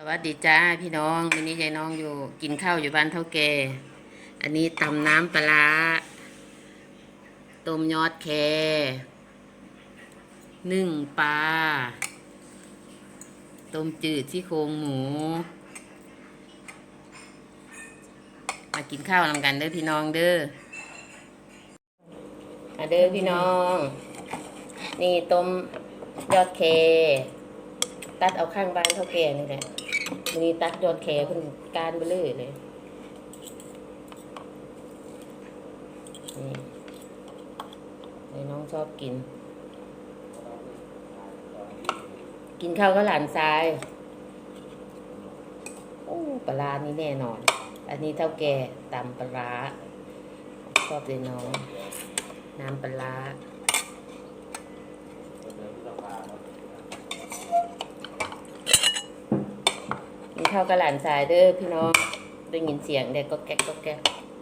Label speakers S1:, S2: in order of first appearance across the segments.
S1: วัสดีจ้าพี่น้องวันนี้ยายน้องอยู่กินข้าวอยู่บ้านเท่าแก่อันนี้ตำน้ำปลาร้าต้มยอดแคนึ่งปลาต้มจืดซี่โครงหมูมากินข้าวนำกันเด้อพี่น้องเด้อมาเด้อพี่น้องนี่ต้มยอดแคตัดเอาข้างบ้านเท่าแก่นี่แหละนี่ตัดยอดแคเพิ่นการไปเลยนี่น้องชอบกินข้าวก็หลานทรายโอ้ปลาร้านี่แน่นอนอันนี้เท่าแก่ตำปลาร้าชอบเลยน้องน้ำปลาร้ากินข้าวกับหลานทรายเด้อพี่น้องได้ยินเสียงเด็กก็แก๊กก็แก๊ก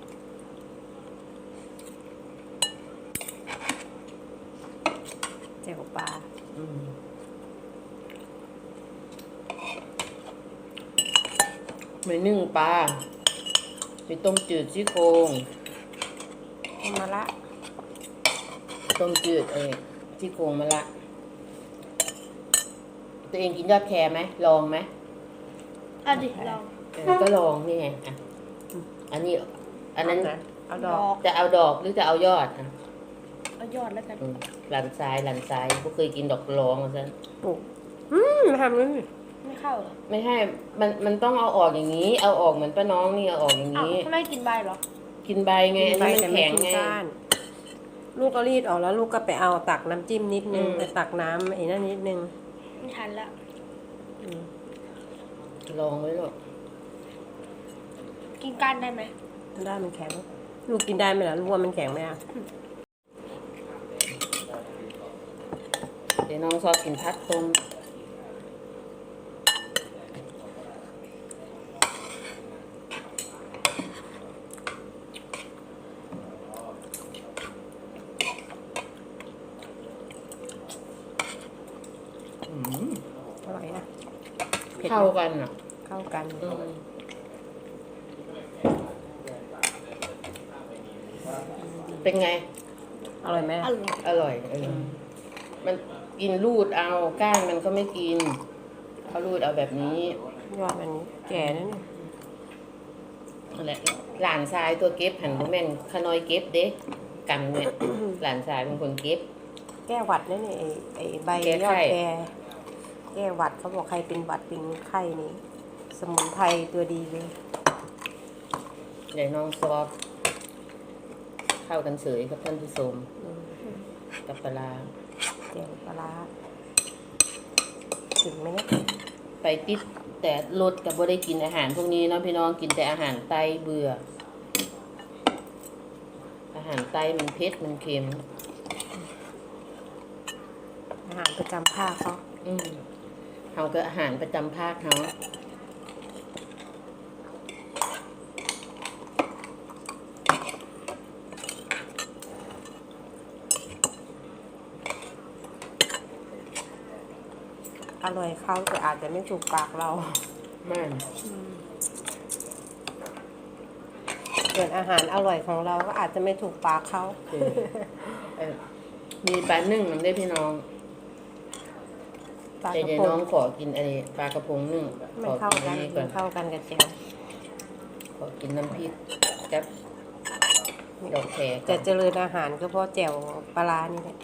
S2: เจียวปลา
S1: มีนึ่งปลามีต้มจืดซี่โครง
S2: มะระ
S1: ต้มจืดซี่โครงมะระตัวเองกินยอดแคไหมลองไหม
S3: เอาดิลอง
S1: ก็ลองนี่ไงอ่ะอันนี้อันนั้น
S2: เอาดอก
S1: จะเอาดอกหรือจะเอายอดอ่ะ
S3: เอายอดแล้วกัน
S1: หลันซ้ายก็เคยกินดอกร้องซะ
S2: ปลูกทำนี่
S3: ไม่เข้าเหรอ
S1: ไม่ให้มันต้องเอาออกอย่างนี้เอาออกเหมือนป้าน้องนี่เอาออกอย่างนี้
S3: ทำไมกินใบเหรอ
S1: กินใบไงอันนี้มันแข็งไง
S2: ลูกก็รีดออกแล้วลูกก็ไปเอาตักน้ำจิ้มนิดนึงไปตักน้ำไอ้นั่นนิดนึง
S3: ไม่ทันละ
S1: ลองไว้หรอก
S3: กินก้านได้ไหม
S2: ได้มันแข็งลูกกินได้ไหมล่ะลูกว่ามันแข็งไหมอ่ะ
S1: เดี๋ยวน้องชอบกินพัดต้ม
S2: อร่อยนะ
S1: เข้ากันอ่ะ
S2: เข้ากัน
S1: เป็นไง
S2: อร่อยไหม
S1: อร่อยมันกินรูดเอาก้านมันก็ไม่กินเขารูดเอาแบบนี้
S2: ยอดมันแก่นั่น
S1: นั่นแหละหลานชายตัวเก็บหันแม่นขน้อยเก็บเด้กันเนี่ยหลานชายเป็นคนเก็บ
S2: แก้หวัดนั่นนี่ไอ้ใบยอดแก้หวัดเขาบอกใครเป็นหวัดเป็นไข้นี่สมุนไพรตัวดีเลย
S1: เดี๋ยวน้องซอฟเข้ากันเฉยกับท่านผู้ชมกับปลา
S2: เจียวปลาถึงไหมเนี่ย
S1: ไปติดแต่รถกับบ่ได้กินอาหารพวกนี้เนาะพี่น้องกินแต่อาหารไตเบื่ออาหารไตมันเผ็ดมันเค็ม
S2: อาหารประจำภาค
S1: เขาก็อาหารประจำภาคเขา
S2: อร่อยเขาแต่อาจจะไม่ถูกปากเรา
S1: ไม่
S2: ส่วนอาหารอร่อยของเราก็อาจจะไม่ถูกปากเขา
S1: มีปลานึ่งมันได้พี่น้องแต่เดี๋ยวน้องขอกินอะไรปลากระพงนึ่ง
S2: ขอกินนี่ก่อนเข้ากันกับเจียว
S1: ขอกินน้ำพริกกับดอกแคร
S2: จะเจริญอาหารก็เพราะแจ่วปลานี่แหละ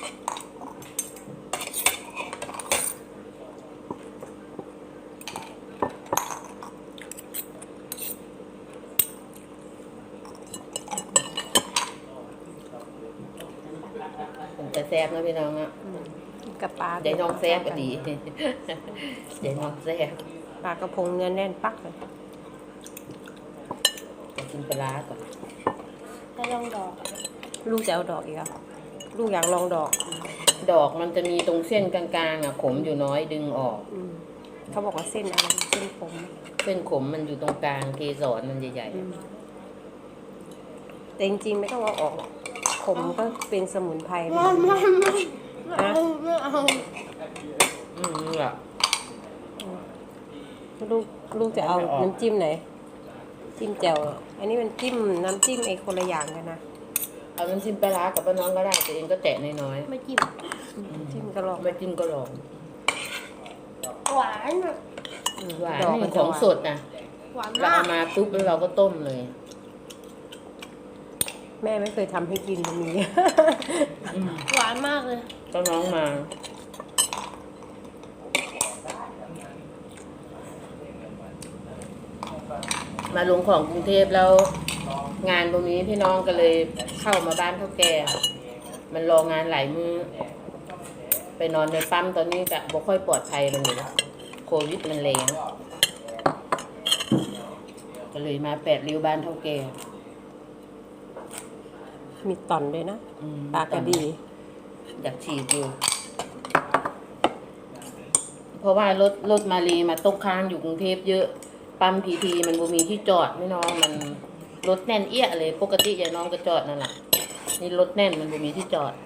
S1: จะแซ่บนะพี่น้องอ่ะ
S2: กับปลา
S1: เดี๋ยวน้องแซ่บก็ดีเดี๋ยวน้องแซ่บ
S2: ปลากระพงเนื้อแน่นปักเลย
S1: จะกินปลาก่อน
S3: จะลองดอก
S2: ลูกจะเอาดอกอีกอ่ะลูกอยากลองดอก
S1: มันจะมีตรงเส้นกลางๆอ่ะขมอยู่น้อยดึงออก
S2: เขาบอกว่าเส้นอะไรเส้นขม
S1: มันอยู่ตรงกลางเกสรมันใหญ่
S2: ๆแต่จริงๆไม่ต้องเอาออกขมก็เป็นสมุนไพร
S3: ไม่
S1: อ่ะ
S2: ลูกลูกจะเอาน้ำจิ้มไหน จิ้มแจ่วอันนี้มันจิ้มน้ำจิ้มไอ้คนละอย่างกันนะ
S1: เอาน้ำจิ้มปลาร้ากับป้าน้องก็ได้ตัวเองก็แตะน้อย
S3: ไม่จิ้ม
S2: จิ้มกระลอก
S1: ๆไม่จิ้มก็ลอง
S3: หวานอะ
S1: หวาน
S2: ดอก
S1: นี่
S2: มัน
S1: ข
S2: จะ
S1: อง
S2: หวาน
S1: สดนะ
S3: หวาน
S1: เรา
S3: มา
S1: เอา
S3: ก
S1: มาปุ๊บแล้วเราก็ต้มเลย
S2: แม่ไม่เคยทำให้กินมันมี
S3: หวานมากเลย
S1: ก็น้องมา มาลงของกรุงเทพแล้ว งานตรงนี้พี่น้องก็เลยเข้ามาบ้านเท่าแก่มันรองานหลายมือไปนอนในปั๊มตอนนี้ก็บ่ค่อยปลอดภัยมันอยู่แล้วโควิดมันแรงก็เลยมา8 ริ้วบ้านเท่าแก่
S2: มีตอนด้วยนะ
S1: อืม
S2: ปลากระดี
S1: อยากฉีดอยู่ เพราะว่ารถมาลีมาตกค้างอยู่กรุงเทพเยอะปั๊มพีทีมันบ่มีที่จอดไม่น้องมันรถแน่นเอี้ยเลยปกติยายน้องก็จอดนั่นแหละนี่รถแน่นมันบ่มีที่จอด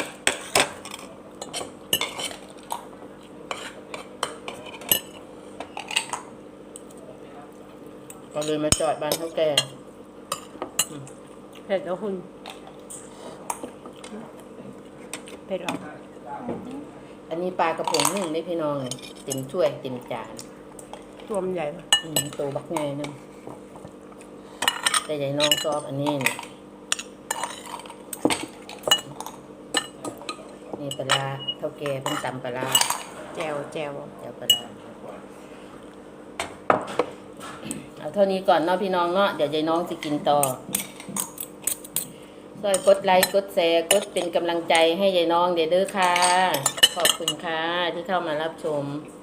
S1: ก็เลยมาจอดบ้านเท่าแก่
S2: เผ็ดแล้วคุณเผ็ดหรอ
S1: อันนี้ปลากระพงนึ่งได้พี่น้องเลยเต็มถ้วยเต็มจาน
S2: ตัวมันใหญ่ปะ
S1: ตัวบักไงนึงแต่ยายน้องชอบอันนี้นี่ปลาร้าเท่าแก่เป็นตำปลาร้า
S2: แจ่วแจ่ว
S1: เดี๋ยวปลาร้าเอาเท่านี้ก่อนเนาะพี่น้องเนาะเดี๋ยวยายน้องจะกินต่อช่วยกดไลค์กดแชร์กดเป็นกำลังใจให้ยายน้องเด้อค่ะขอบคุณค่ะที่เข้ามารับชม